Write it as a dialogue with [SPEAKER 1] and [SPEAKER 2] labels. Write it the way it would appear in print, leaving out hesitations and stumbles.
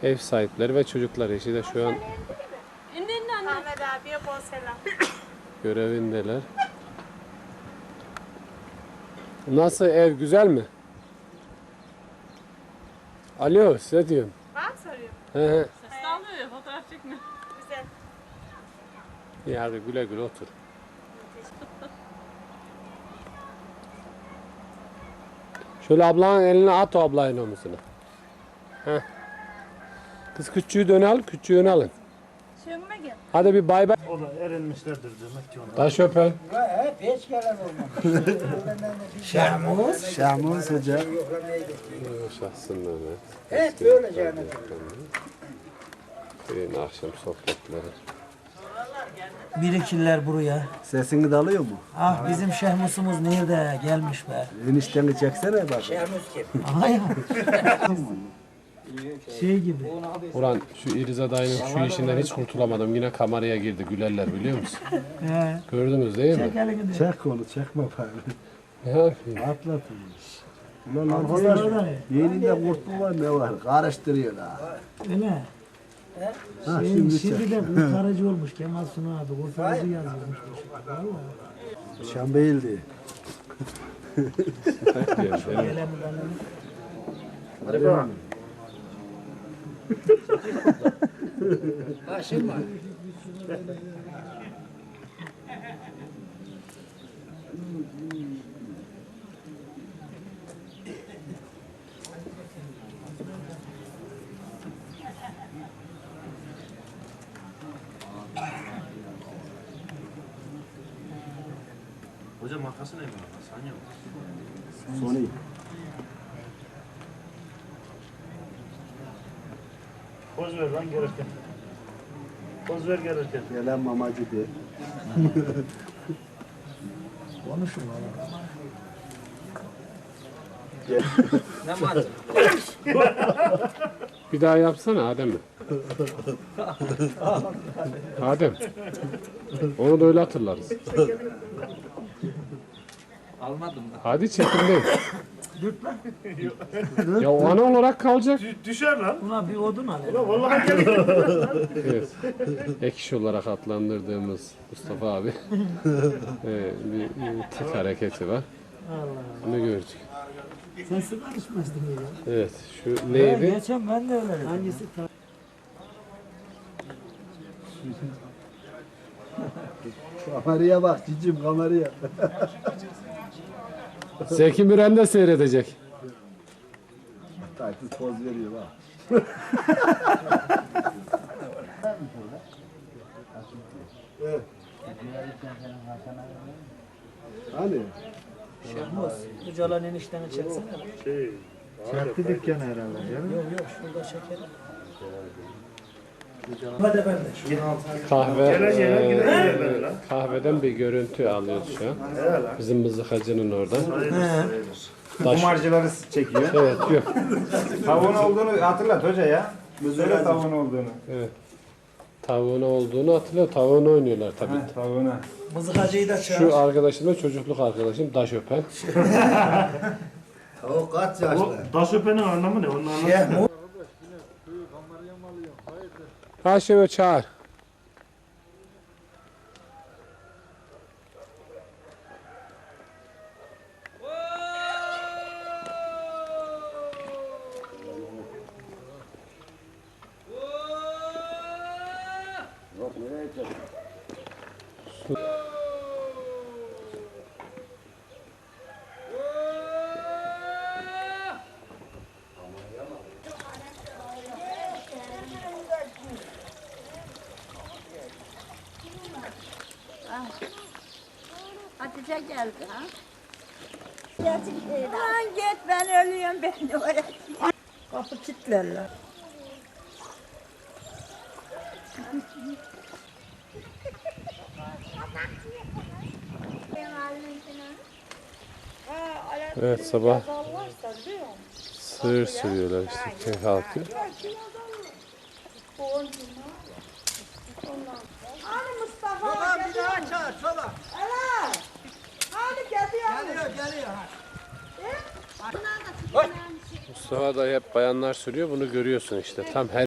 [SPEAKER 1] ev sahipleri ve çocuklar eşi de şu an
[SPEAKER 2] Ahmet abiye bol selam.
[SPEAKER 1] görevindeler. Nasıl, ev güzel mi? Alo, size diyorum.
[SPEAKER 2] Bana mı soruyor?
[SPEAKER 1] He he.
[SPEAKER 3] Ses de almıyor ya, fotoğraf çekmiyor.
[SPEAKER 2] Güzel.
[SPEAKER 1] İyi hadi güle güle otur. Şöyle ablanın eline at, o ablayın omuzuna. Heh. Kız küçüğü de öne al, küçüğü öne alın.
[SPEAKER 2] Şöyle gel.
[SPEAKER 1] Hadi bir bay bay.
[SPEAKER 4] O da erinmişlerdir demek ki ona.
[SPEAKER 1] Taş öpen.
[SPEAKER 5] Hep hiç gelen olmamış.
[SPEAKER 4] Şahmuz Hoca.
[SPEAKER 1] Şahsın Mehmet.
[SPEAKER 5] Hep böyle canım.
[SPEAKER 1] Köyün akşam sohbetleri.
[SPEAKER 6] Birikirler buraya.
[SPEAKER 4] Sesini de alıyor mu?
[SPEAKER 6] Ah bizim Şehmus'umuz nerede gelmiş be.
[SPEAKER 4] Enişteni çeksene bak.
[SPEAKER 6] Aha ya. Şey gibi.
[SPEAKER 1] Ulan şu İriza dayının şu işinden hiç kurtulamadım. Yine kameraya girdi. Gülerler biliyor musun?
[SPEAKER 6] He.
[SPEAKER 1] Gördünüz değil mi?
[SPEAKER 6] Çek elini de.
[SPEAKER 4] Çek onu çekme bari.
[SPEAKER 1] Ne yapayım?
[SPEAKER 4] Atlat onu. Ulan arkadaş yeninde kurtlu var ne var? Karıştırıyor ha.
[SPEAKER 6] Öyle.
[SPEAKER 4] Ha
[SPEAKER 6] Şimdi,
[SPEAKER 4] şimdi çek.
[SPEAKER 6] de kurtarıcı olmuş Kemal Sunal abi. Kurtarıcı yazıyormuş. Vallahi.
[SPEAKER 4] Şambeyildi.
[SPEAKER 6] Geleni baleni.
[SPEAKER 4] Hadi bakalım.
[SPEAKER 7] Hocam markası ne bu? Sanya mı?
[SPEAKER 4] Sony.
[SPEAKER 7] Poz ver lan gelirken. Poz ver gelirken.
[SPEAKER 4] Gelen mamacı de.
[SPEAKER 6] Konuşun valla.
[SPEAKER 1] Bir daha yapsana Adem. Adem. Onu da öyle hatırlarız.
[SPEAKER 6] Almadım da.
[SPEAKER 1] Hadi çekimdeyim. Ya o ana olarak kalacak.
[SPEAKER 7] Düşer lan.
[SPEAKER 6] Buna bir odun al.
[SPEAKER 7] Vallahi geliyor.
[SPEAKER 1] Evet. Ek iş olarak adlandırdığımız Mustafa abi. Bir tık hareketi var.
[SPEAKER 6] Allah.
[SPEAKER 1] Onu gördük.
[SPEAKER 6] Sen sigara içmezdin ya.
[SPEAKER 1] Evet. Şu neydi?
[SPEAKER 6] Geçen ben de öyle dedim. Hangisi?
[SPEAKER 4] Kameraya bak cicim kameraya.
[SPEAKER 1] Zeki Müren de seyredecek.
[SPEAKER 4] Tayfız poz veriyor bak. Evet. Hani?
[SPEAKER 6] Şehmus. Ucalan enişteni çeksene.
[SPEAKER 4] Çarptı dükkanı herhalde canım.
[SPEAKER 6] Yok yok şurada çekelim. Hadi ben de.
[SPEAKER 1] Kahveden bir görüntü alıyoruz şu an. Bizim mızıkacının oradan.
[SPEAKER 8] Kumarcıları çekiyor.
[SPEAKER 1] Evet yok.
[SPEAKER 8] Tavuğun olduğunu hatırlat hoca ya. Söyle tavuğun olduğunu.
[SPEAKER 1] Evet. Tavuğun olduğunu hatırlıyor. Tavuğunu oynuyorlar tabii.
[SPEAKER 8] Tavuğuna.
[SPEAKER 6] Mızıkacıyı da çağır.
[SPEAKER 1] Şu arkadaşım da çocukluk arkadaşım Daş Öpen.
[SPEAKER 4] O kaç yaşlı?
[SPEAKER 7] Daş öpenin anlamı ne? Onun anlamı.
[SPEAKER 1] Haşim'i çağır.
[SPEAKER 2] Hatice geldi ha. Aman git ben ölüyorum ben de oraya.
[SPEAKER 6] Kapı kilitlerler.
[SPEAKER 1] Evet sabah sığır sürüyorlar işte köy halkı.
[SPEAKER 2] Hani Mustafa
[SPEAKER 5] Bir daha çağır sola.
[SPEAKER 2] Evet. Hani geliyor.
[SPEAKER 5] Geliyor.
[SPEAKER 1] Mustafa da hep bayanlar sürüyor, bunu görüyorsun işte. Tam her